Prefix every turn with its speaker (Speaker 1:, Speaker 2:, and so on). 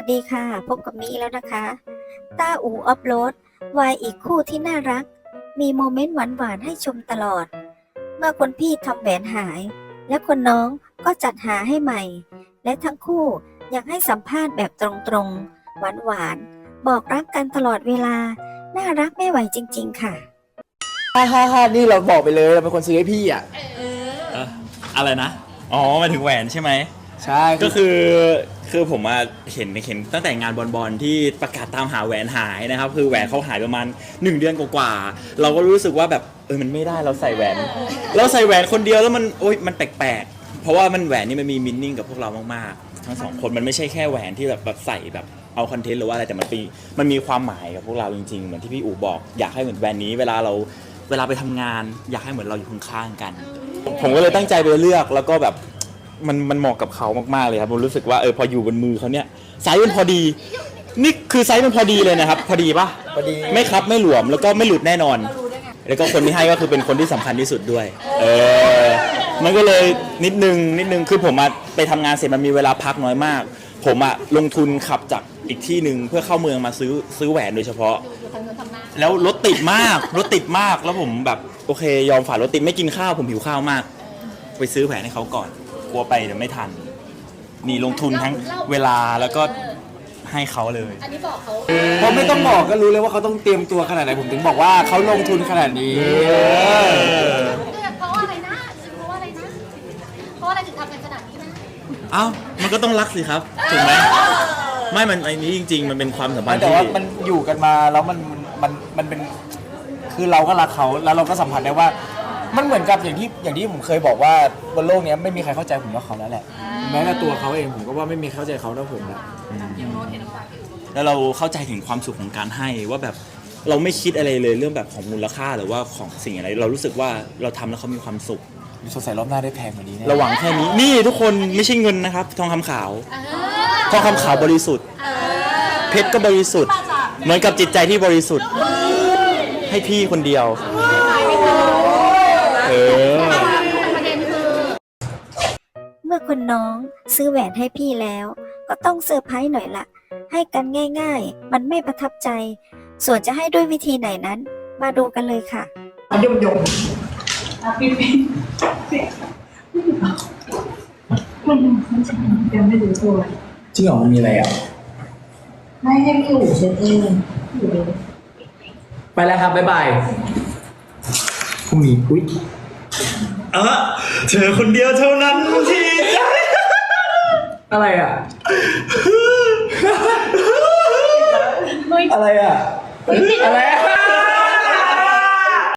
Speaker 1: ดีค่ะพบกับมีแล้วนะคะต้าอู่ออฟโรดวายอีกคู่ที่น่ารักมีโมเมนต์หวานๆให้ชมตลอดเมื่อคนพี่ทำแหวนหายและคนน้องก็จัดหาให้ใหม่และทั้งคู่ยังให้สัมภาษณ์แบบตรงๆหวานๆบอกรักกันตลอดเวลาน่ารักไม่ไหวจริงๆค่ะ
Speaker 2: ฮ่านี่เราบอกไปเลยเราเป็นคนซื้อให้พี่อ่ะ
Speaker 3: อะไรนะอ๋อหมายถึงแหวนใช่ไหม
Speaker 2: ใช่
Speaker 3: ก็คือผมมาเห็นตั้งแต่งานบอลที่ประกาศตามหาแหวนหายนะครับคือแหวนเขาหายประมาณ1 เดือนกว่าๆเราก็รู้สึกว่าแบบมันไม่ได้เราใส่แหวนคนเดียวแล้วมันแปลกๆเพราะว่ามันแหวนนี่มันมีมินนิ่งกับพวกเรามากๆทั้ง2 คนมันไม่ใช่แค่แหวนที่แบบใส่แบบเอาคอนเทนต์หรือว่าอะไรแต่มันมีความหมายกับพวกเราจริงๆเหมือนที่พี่อู๋บอกอยากให้เหมือนแหวนนี้เวลาไปทำงานอยากให้เหมือนเราอยู่ข้างๆกันผมก็เลยตั้งใจไปเลือกแล้วก็แบบมันเหมาะกับเขามากๆเลยครับผมรู้สึกว่าพออยู่บนมือเขาเนี่ยไซส์มันพอดีนี่คือไซส์มันพอดีเลยนะครับพอดีปะ
Speaker 2: พอดี
Speaker 3: ไม่ครับไม่หลวมแล้วก็ไม่หลุดแน่นอนแล้วก็คนที่ให้ก็คือเป็นคนที่สำคัญที่สุดด้วยมันก็เลยนิดนึงคือผมไปทำงานเสร็จมันมีเวลาพักน้อยมากผมลงทุนขับจากอีกที่หนึ่งเพื่อเข้าเมืองมาซื้อแหวนโดยเฉพาะแล้วรถติดมากแล้วผมแบบโอเคยอมฝ่ารถติดไม่กินข้าวผมหิวข้าวมากไปซื้อแหวนให้เขาก่อนกลัวไปเดี๋ยวไม่ทันนี่ลงทุนทั้งเวลาแล้วก็ให้เขาเลย
Speaker 4: อันนี้บอกเขา
Speaker 2: เพราะไม่ต้องบอกก็รู้เลยว่าเขาต้องเตรียมตัวขนาดไหนผมถึงบอกว่าเขาลงทุนขนาดนี้
Speaker 4: เพราะอะไรนะเพราะอะไรถึงทำกันขนาดนี้นะ
Speaker 3: มันก็ต้องรักสิครับถูกไหมไม่มันไอ้นี้จริงๆมันเป็นความสัมพันธ์
Speaker 2: แต่ว่ามันอยู่กันมาแล้วมันเป็นคือเราก็รักเขาแล้วเราก็สัมผัสได้ว่ามันเหมือนกับอย่างที่ผมเคยบอกว่าบนโลกนี้ไม่มีใครเข้าใจผมเท่าเขาแล้วแหละแม้แต่ตัวเขาเองผมก็ว่าไม่มีเข้าใจเขาเท่าผม
Speaker 3: แล้วเราเข้าใจถึงความสุขของการให้ว่าแบบเราไม่คิดอะไรเลยเรื่องแบบของมูลค่าหรือว่าของสิ่งอะไรเรารู้สึกว่าเราทำแล้วเขามีความสุข
Speaker 2: สงสัยรอบหน้าได้แพงกว่านี้
Speaker 3: ระหว่างแค่นี้นี่ทุกคนไม่ใช่เงินนะครับทองคำขาวทองคำขาวบริสุทธิ์เพชรก็บริสุทธิ์เหมือนกับจิตใจที่บริสุทธิ์ให้พี่คนเดียว
Speaker 1: เมื่อคนน้องซื้อแหวนให้พี่แล้วก็ต้องเซอร์ไพรส์หน่อยละให้กันง่ายๆมันไม่ประทับใจส่วนจะให้ด้วยวิธีไหนนั้นมาดูกันเลยค่ะ
Speaker 5: ยมพี่ยังไม่รู้ตัว
Speaker 2: จริงเหรอมันมีอะไรอ่ะ
Speaker 5: ไม่ให้พี่อู๋เช็ดเอง
Speaker 2: ไปแล้วครับบ๊ายบายพรุ่งนี้อุ๊ย
Speaker 3: เธอคนเดียวเท่านั้นที่ใจ
Speaker 2: อะไรอ่ะอะไรอ่ะอะไรอ่ะ